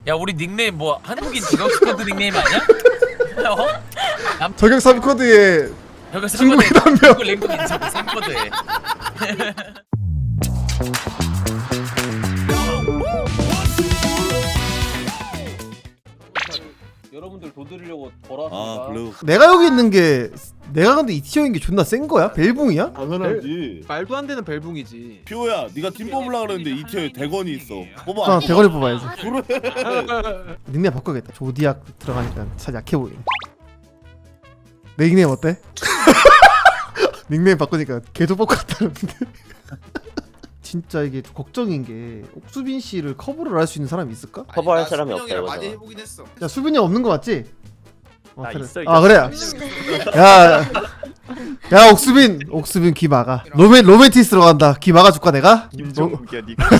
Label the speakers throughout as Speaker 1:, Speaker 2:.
Speaker 1: 야 우리 닉네임 뭐 한국인 직업 스쿼드 닉네임 아니야? 어?
Speaker 2: 저격 3코드에
Speaker 1: 여기
Speaker 2: 중국인 한 명.
Speaker 1: 중국 랭크 인정 3코드에.
Speaker 3: 여러분들 도드리려고 돌아왔습니다.
Speaker 4: 블루.
Speaker 2: 내가 여기 있는 게 내가 근데 이 티어인 게 존나 센 거야? 벨붕이야?
Speaker 4: 당연하지.
Speaker 5: 말도 안 되는 벨붕이지.
Speaker 4: 피오야, 네가 팀 뽑으려고 그랬는데 이 티어에 대건이 있어. 뽑아.
Speaker 2: 아 대거리 뽑아야지.
Speaker 4: 그래.
Speaker 2: 닉네임 바꿔야겠다. 조디악 들어가니까 살 약해 보이네. 내 닉네임 어때? 닉네임 바꾸니까 개도 뽑고 같다는데. 진짜 이게 걱정인 게 옥수빈 씨를 커버를 할 수 있는 사람이 있을까?
Speaker 6: 커버할 사람이 없다
Speaker 5: 수빈형이랑
Speaker 6: 이거잖아.
Speaker 5: 많이 해보긴 했어.
Speaker 2: 야 수빈이 형 없는 거 맞지?
Speaker 6: 나
Speaker 2: 그래.
Speaker 6: 있어,
Speaker 2: 아 그래. 야 옥수빈 귀 막아. 로맨티스로 간다. 귀 막아줄까 내가?
Speaker 6: 김종욱이야 니가.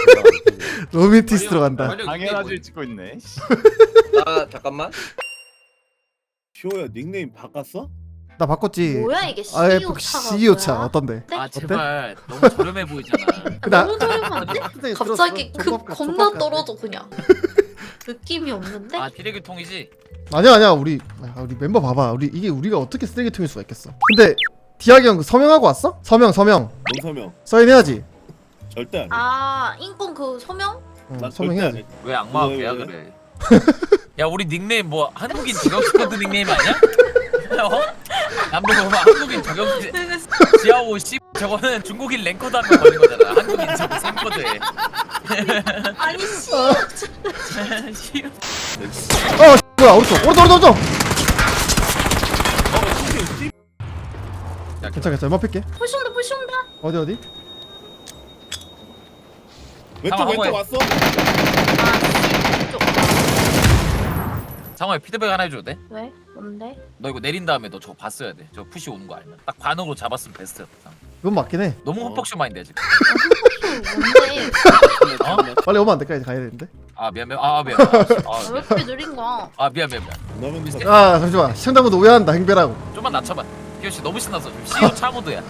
Speaker 2: 로맨티스로 간다.
Speaker 6: 당연하지 찍고 있네.
Speaker 3: 아 잠깐만.
Speaker 4: 피오야, 닉네임 바꿨어?
Speaker 2: 나 바꿨지.
Speaker 7: 뭐야 이게
Speaker 2: 아예
Speaker 7: CEO
Speaker 2: CEO
Speaker 7: 차가
Speaker 2: 차
Speaker 7: 뭐야?
Speaker 2: 어떤데?
Speaker 1: 아 제발 너무 저렴해 보이잖아.
Speaker 2: 나-
Speaker 7: 너무 저렴한데? 갑자기 급 겁나 떨어져 그냥. 느낌이 없는데?
Speaker 1: 아 비례교통이지?
Speaker 2: 아니야 우리 멤버 봐봐. 우리 우리가 어떻게 쓰레기통일 수가 있겠어? 근데 디아기 형 그 서명하고 왔어? 서명
Speaker 4: 뭔
Speaker 2: 사인해야지.
Speaker 4: 절대 안 해.
Speaker 7: 아 인권 그 소명?
Speaker 2: 응,
Speaker 4: 난 절대 안
Speaker 2: 서명해야지.
Speaker 4: 해.
Speaker 1: 왜 악마가
Speaker 4: 왜,
Speaker 1: 배야
Speaker 4: 왜?
Speaker 1: 그래? 야 우리 닉네임 뭐 한국인 직업 스쿼드 닉네임 아니야? 어? 남들 보면 한국인 저격 지하오 씨 저거는 중국인 랭커드 한명 걸린 거잖아. 한국인 저거 3코드에.
Speaker 7: 아니 씨.
Speaker 2: 뭐야 오른쪽. 괜찮아 연막 뺄게.
Speaker 7: 푸시온다.
Speaker 2: 어디?
Speaker 4: 왼쪽 왔어?
Speaker 1: 상호야 피드백 하나 해줘도 돼?
Speaker 7: 왜? 뭔데?
Speaker 1: 너 이거 내린 다음에 너 저거 봤어야 돼. 저 푸시 오는 거 알면. 딱 반응으로 잡았으면 베스트였다.
Speaker 2: 이건 맞긴 해.
Speaker 1: 너무 헛벅쇼 마인드야 지금.
Speaker 7: 뭔데?
Speaker 1: 어?
Speaker 2: 빨리 오면 안 될까? 이제 가야 되는데.
Speaker 1: 아 미안.
Speaker 7: 왜
Speaker 1: 아
Speaker 7: 이렇게 느린 거야?
Speaker 1: 미안.
Speaker 4: 나면
Speaker 2: 아 잠시만 시청자분들 오해한다 행배라고.
Speaker 1: 좀만 낮춰봐. 기호 씨 너무 신났어. 지금 CEO 차모드야.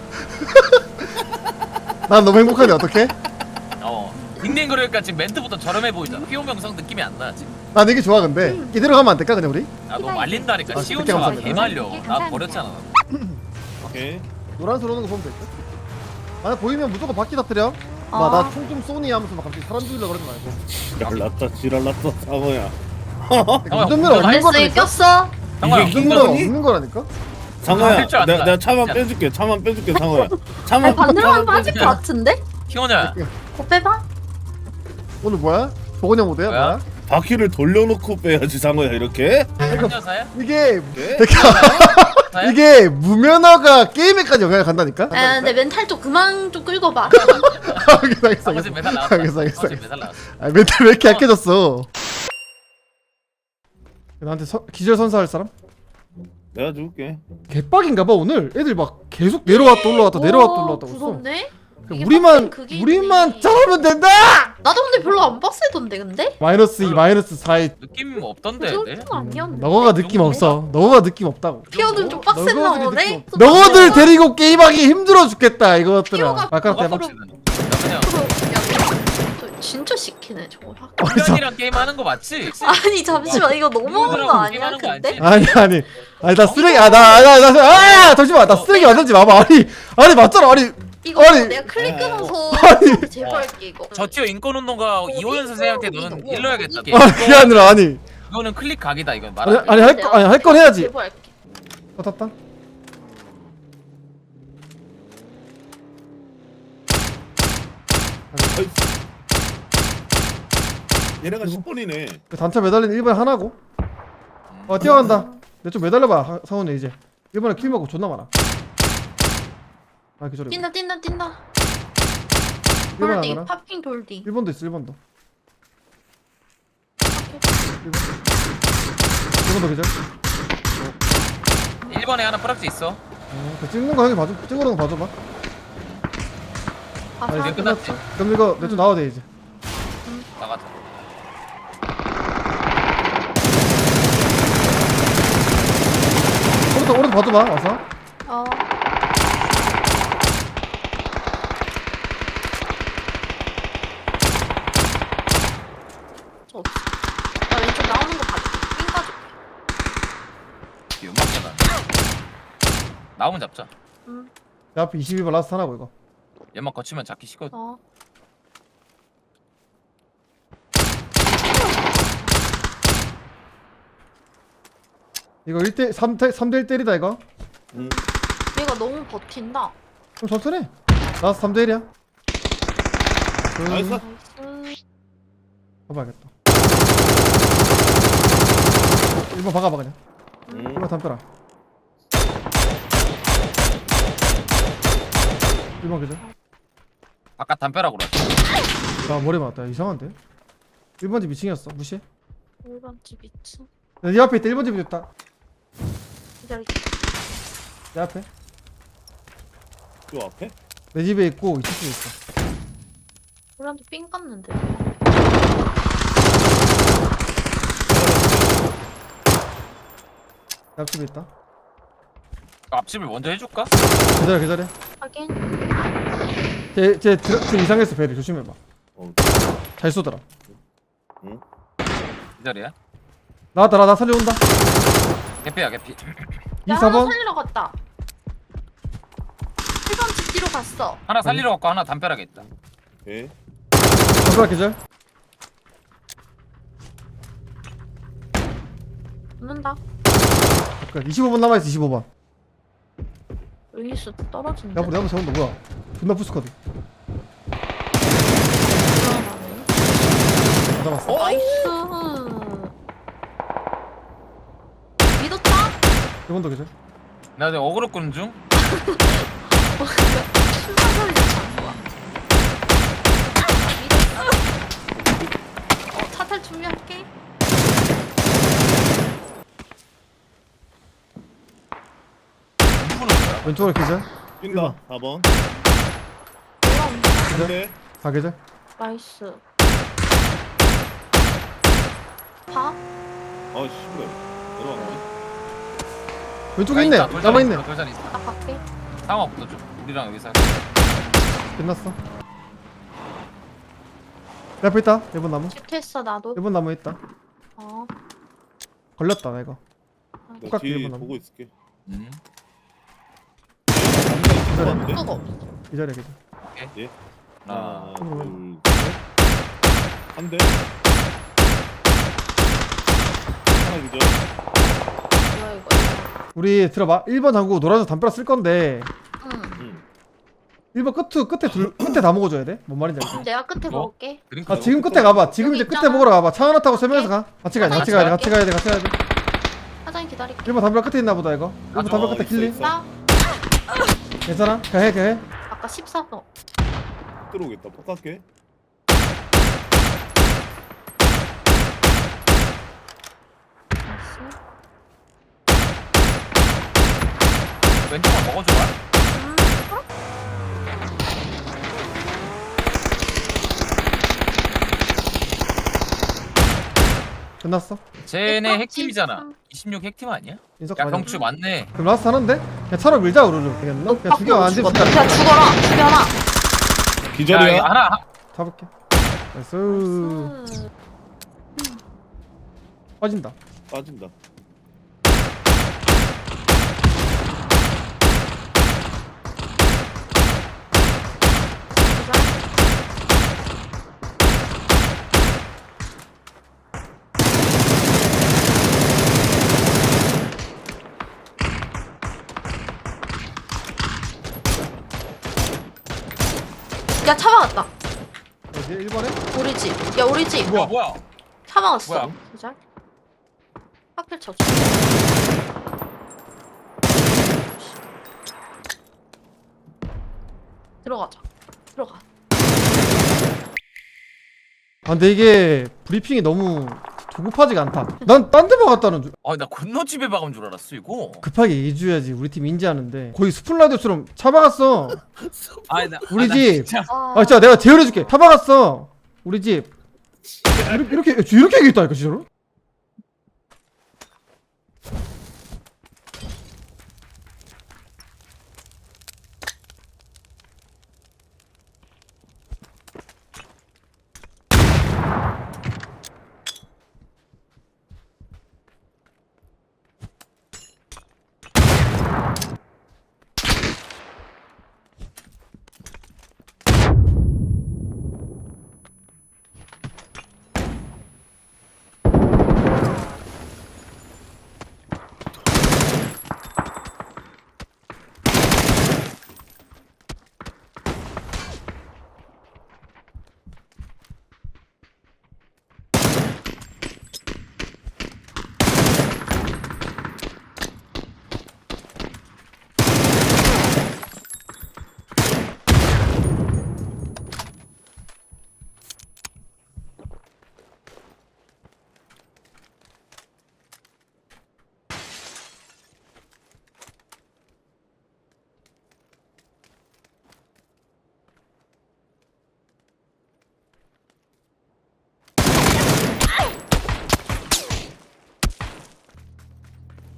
Speaker 2: 난 너무 행복하네 어떡해?
Speaker 1: 닉네임 그러니까 지금 멘트부터 저렴해 보이잖아. 피오 명성 느낌이 안 나 지금.
Speaker 2: 난 이게 좋아 근데 이대로 가면 안 될까 그냥 우리?
Speaker 1: 아 너무 말린다니까.
Speaker 2: 아,
Speaker 1: 시온
Speaker 2: 그때
Speaker 1: 차가
Speaker 2: 감사합니다.
Speaker 1: 개말려. 나 버렸잖아.
Speaker 4: 오케이.
Speaker 2: 노란색 오는 거 보면 될 듯? 만약 보이면 무조건 바퀴 터뜨려. 나 총 좀 쏘니 하면서 막 갑자기 사람 죽이려고 그러지 말고.
Speaker 4: 지랄났다, 상어야.
Speaker 2: 운전면허 없는
Speaker 7: 알았어
Speaker 2: 거라니까?
Speaker 7: 꼈어.
Speaker 1: 상호야
Speaker 4: 이게
Speaker 2: 운전면허
Speaker 4: 거니?
Speaker 2: 없는 거라니까?
Speaker 4: 상어야,
Speaker 1: 할줄 안다.
Speaker 4: 내가 차만
Speaker 1: 진짜.
Speaker 4: 빼줄게, 상어야. 차만
Speaker 7: 반대로 하면 빠질
Speaker 4: 빼줄게.
Speaker 7: 것 같은데?
Speaker 1: 키오냐.
Speaker 7: 거 빼봐.
Speaker 2: 오늘 뭐야? 보건형 모드야?
Speaker 1: 뭐야?
Speaker 2: 뭐야?
Speaker 4: 바퀴를 돌려놓고 빼야지, 상어야, 이렇게.
Speaker 1: 한여사야?
Speaker 2: 이게
Speaker 4: 네?
Speaker 1: 사야?
Speaker 2: 이게 무면허가 게임에까지 영향을 간다니까?
Speaker 7: 아 근데 멘탈 좀 그만 좀 끌고 봐.
Speaker 2: 알겠어
Speaker 1: 아버지 메달 나왔다.
Speaker 2: 알겠어
Speaker 1: 아버지 메달 나왔어.
Speaker 2: 아 멘탈 왜 이렇게 약해졌어? 나한테 기절 선사할 사람?
Speaker 4: 내가 줄게.
Speaker 2: 개빡인가봐 오늘 애들 막 계속 내려왔다 올라왔다 내려왔다
Speaker 7: 오,
Speaker 2: 올라왔다 있어.
Speaker 7: 무섭네. 이게
Speaker 2: 우리만
Speaker 7: 빡센 그게
Speaker 2: 우리만
Speaker 7: 있네.
Speaker 2: 잘하면 된다.
Speaker 7: 나도 근데 별로 안 빡세던데 근데?
Speaker 2: 마이너스 2 마이너스 4에
Speaker 1: 느낌 없던데.
Speaker 7: 그
Speaker 1: 네?
Speaker 7: 정도는 아니었는데.
Speaker 2: 너가 느낌 없어. 너가 느낌 없다고.
Speaker 7: 피어는 좀 빡셌나
Speaker 2: 너거들이
Speaker 7: 보네?
Speaker 2: 느낌 없- 너거들 데리고 게임하기 힘들어 죽겠다 이것들아.
Speaker 7: 피오가
Speaker 2: 아까 대박.
Speaker 7: 앞으로-
Speaker 1: 그냥
Speaker 7: 저 진짜 시키네 저거.
Speaker 1: 형이랑 게임 하는 거 맞지?
Speaker 7: 아니 잠시만 이거 너무한 거 아니야
Speaker 1: 게임하는 거
Speaker 7: 근데?
Speaker 1: 알지?
Speaker 2: 아니 나 쓰레기 나 잠시만 나 쓰레기 만들지 마봐. 아니 맞잖아. 아니
Speaker 7: 이거
Speaker 2: 아니.
Speaker 7: 내가 클릭 끊어서
Speaker 2: 아니.
Speaker 7: 제발 할게 이거.
Speaker 1: 저 티어 인권운동가 이호연 선생님한테 너는 일러야겠다.
Speaker 2: 그게 아니라 아니
Speaker 1: 이거는 클릭 각이다 이건 말.
Speaker 2: 아니 할 건 해야지.
Speaker 7: 제발 할게.
Speaker 2: 탔다.
Speaker 4: 얘네가 10번이네.
Speaker 2: 그 단차 매달린 1번에 하나고. 뛰어간다. 내 좀 매달려봐 상훈이 이제. 1번에 킬 먹고 존나 많아. 아 기절해.
Speaker 7: 뛴다
Speaker 2: 1번
Speaker 7: 돌디
Speaker 2: 하나.
Speaker 7: 팝핑 돌디.
Speaker 2: 1번도 있어 1번도. 1번도 기절.
Speaker 1: 1번에 하나 프락지 있어.
Speaker 2: 그 찍는 거 형이 봐줘. 찍어놓은 거 봐줘봐.
Speaker 7: 봐봐.
Speaker 1: 이제 끝났지.
Speaker 2: 그럼 이거 내 좀 나와야 돼 이제.
Speaker 1: 나가자.
Speaker 2: 오른쪽 봐줘봐 와서.
Speaker 7: 어. 저 없어. 나오는 거 봐줘. 삥 가줘.
Speaker 1: 연막잖아. 나오면 잡자.
Speaker 2: 내 앞에 22번 라스트 하나고 이거.
Speaker 1: 연막 거치면 잡기 쉽거든.
Speaker 7: 어.
Speaker 2: 이거 1대 3대 1대리다 이거.
Speaker 7: 얘가 너무 버틴다.
Speaker 2: 그럼 천천히 해. 라스트 3대 1이야.
Speaker 4: 나이스.
Speaker 7: 나이스.
Speaker 2: 봐봐야겠다. 1번 박아봐 그냥. 1번 담벼라. 1번 그죠?
Speaker 1: 바깥 담벼락으로.
Speaker 2: 나 머리 맞았다. 이상한데? 1번 집 2층이었어. 무시해.
Speaker 7: 1번 집 2층.
Speaker 2: 네 앞에 있다. 1번 집이 있다.
Speaker 7: 기다려.
Speaker 2: 내 앞에.
Speaker 4: 요 앞에?
Speaker 2: 내 집에 있고 2층에 있어.
Speaker 7: 우리한테 삥 깠는데.
Speaker 2: 내 앞집에 있다.
Speaker 1: 앞집을 먼저 해줄까?
Speaker 2: 기다려.
Speaker 7: 하긴.
Speaker 2: 쟤 이상했어. 배를 조심해봐.
Speaker 4: 어.
Speaker 2: 잘 쏘더라.
Speaker 1: 기다려.
Speaker 2: 나왔다. 나 살려온다.
Speaker 1: 개피야 개피.
Speaker 7: 야, 하나
Speaker 2: 24번.
Speaker 7: 살리러 갔다. 1번 집 뒤로 갔어.
Speaker 1: 하나 살리러 갔고 하나 담벼락에 있다.
Speaker 4: 오케이.
Speaker 2: 잠깐만 계절.
Speaker 7: 붙는다.
Speaker 2: 25번 남아있어. 25번.
Speaker 7: 루이스 떨어진다.
Speaker 2: 내 앞에 세운다. 뭐야? 존나 부스커드. 다 잡았어.
Speaker 7: 나이스. 믿었다?
Speaker 2: 1번 더 계절.
Speaker 1: 나 지금 어그로 끄는 중.
Speaker 7: 순간 소리 안 좋아. 믿었어. 차탈 준비할게.
Speaker 1: 누구는 거야?
Speaker 2: 왼쪽으로 계절.
Speaker 4: 뛴다. 4번.
Speaker 7: 올라온다.
Speaker 4: 한대.
Speaker 2: 4 계절.
Speaker 7: 나이스. 봐?
Speaker 4: 아 씨발. 내려왔네.
Speaker 2: 왼쪽에 있네. 남아있네.
Speaker 1: 돌산 있어.
Speaker 7: 나 갈게.
Speaker 1: 상황 붙어줘. 우리랑 여기서.
Speaker 2: 끝났어. 내 앞에 있다. 1번 나무.
Speaker 7: 집했어 나도.
Speaker 2: 1번 나무 있다.
Speaker 7: 어.
Speaker 2: 걸렸다 나 이거.
Speaker 4: 나
Speaker 2: 똑같이
Speaker 4: 뒤
Speaker 2: 일본
Speaker 4: 보고 있을게.
Speaker 2: 기다려.
Speaker 7: 수가 없어.
Speaker 2: 기다려 계절.
Speaker 1: 하나.
Speaker 4: 하나, 둘,
Speaker 2: 음.
Speaker 4: 셋. 한 대. 하나 기절.
Speaker 7: 뭐야 이거.
Speaker 2: 우리 들어봐. 1번 잠그고 노란색 담벼락 쓸 건데
Speaker 7: 응.
Speaker 2: 1번 끝에 다 먹어줘야 돼. 뭔 말인지 알지?
Speaker 7: 내가 끝에
Speaker 1: 뭐?
Speaker 7: 먹을게.
Speaker 1: 드링크.
Speaker 2: 아 지금 끝에 가봐. 지금
Speaker 7: 여기
Speaker 2: 이제 끝에
Speaker 7: 있잖아.
Speaker 2: 먹으러 가봐. 차 하나 타고 세 명이서 가. 같이 가야 돼. 같이 가야 돼. 같이 가야 돼. 같이 가야 돼.
Speaker 7: 사장님 기다릴게.
Speaker 2: 1번 담벼락 끝에 있나 보다 이거. 1번
Speaker 1: 아,
Speaker 2: 담벼락 끝에
Speaker 4: 있어,
Speaker 2: 길리.
Speaker 4: 있어.
Speaker 7: 나
Speaker 2: 괜찮아? 가해.
Speaker 7: 아까 14번.
Speaker 4: 들어오겠다. 폭 갈게.
Speaker 7: 나이스.
Speaker 1: 왼쪽만 먹어줘봐.
Speaker 2: 끝났어.
Speaker 1: 쟤네
Speaker 7: 내
Speaker 1: 핵팀이잖아.
Speaker 7: 깜찍.
Speaker 1: 26 핵팀 아니야?
Speaker 2: 인석
Speaker 1: 야
Speaker 2: 가자.
Speaker 1: 경추 맞네.
Speaker 2: 그럼 라스트 하는데? 그냥 차로 밀자 우르르. 되겠나? 그냥 죽여 안 되면
Speaker 7: 죽었다. 그냥 죽어라. 죽여라.
Speaker 1: 야,
Speaker 4: 기절이야.
Speaker 1: 이거 하나.
Speaker 2: 잡을게. 나이스.
Speaker 7: 나이스.
Speaker 2: 빠진다.
Speaker 4: 빠진다.
Speaker 7: 야, 차 막았다.
Speaker 2: 어디 1번에?
Speaker 7: 우리 집. 야, 우리 집.
Speaker 1: 뭐야?
Speaker 7: 차 막았어.
Speaker 1: 뭐야?
Speaker 7: 기절. 하필 쳐. 들어가자. 들어가.
Speaker 2: 아 근데 이게 브리핑이 너무 조급하지가 않다. 난 딴 데 박았다는 줄.
Speaker 1: 나 건너집에 박은 줄 알았어 이거.
Speaker 2: 급하게 얘기해줘야지. 우리 팀 인지하는데 거의 스플라이더처럼 차 박았어. 우리
Speaker 1: 나
Speaker 2: 집.
Speaker 1: 진짜.
Speaker 2: 아 진짜 내가 재현해줄게. 차 박았어. 우리 집. 이렇게 얘기했다니까 진짜로.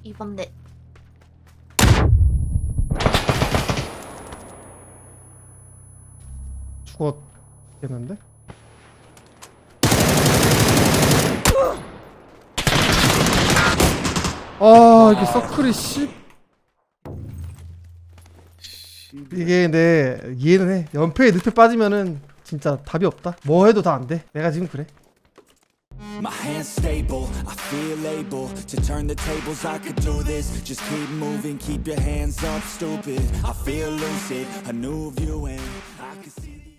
Speaker 7: 2번 넷.
Speaker 2: 죽었겠는데? 아 이게 서클이 씨 이게 내 이해는 해. 연패에 늪에 빠지면은 진짜 답이 없다. 뭐 해도 다 안 돼. 내가 지금 그래.
Speaker 5: My hands stable, I feel able to turn the tables, I could do this. Just keep moving, keep your hands up, stupid. I feel lucid, a new view and I can see the